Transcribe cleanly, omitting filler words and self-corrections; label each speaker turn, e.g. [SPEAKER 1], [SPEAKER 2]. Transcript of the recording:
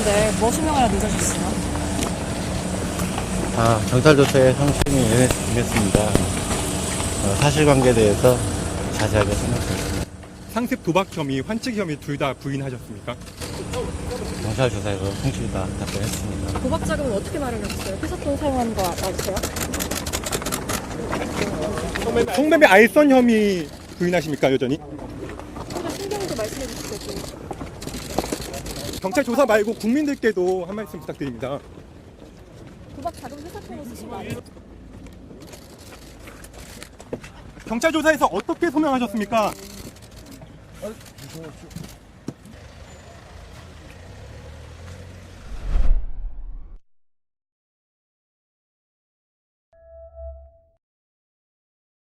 [SPEAKER 1] 하셨는데 뭐 수명하려 늦으셨어요?
[SPEAKER 2] 경찰 조사에 성심이 임했습니다. 사실관계에 대해서 자세하게 설명드렸습니다.
[SPEAKER 3] 상습 도박 혐의, 환책 혐의 둘 다 부인하셨습니까?
[SPEAKER 2] 경찰 조사에서 성심이 다 답변했습니다.
[SPEAKER 1] 도박 자금은 어떻게 마련하셨어요? 회사돈 사용한 거 맞으세요?
[SPEAKER 3] 성매매 알선 혐의 부인하십니까, 여전히?
[SPEAKER 1] 좀더 신경도 말씀해 주시죠.
[SPEAKER 3] 경찰 조사 말고 국민들께도 한 말씀 부탁드립니다.
[SPEAKER 1] 도박 자금 회사 돈으로 쓰신 거 아니에요?
[SPEAKER 3] 경찰 조사에서 어떻게 소명하셨습니까?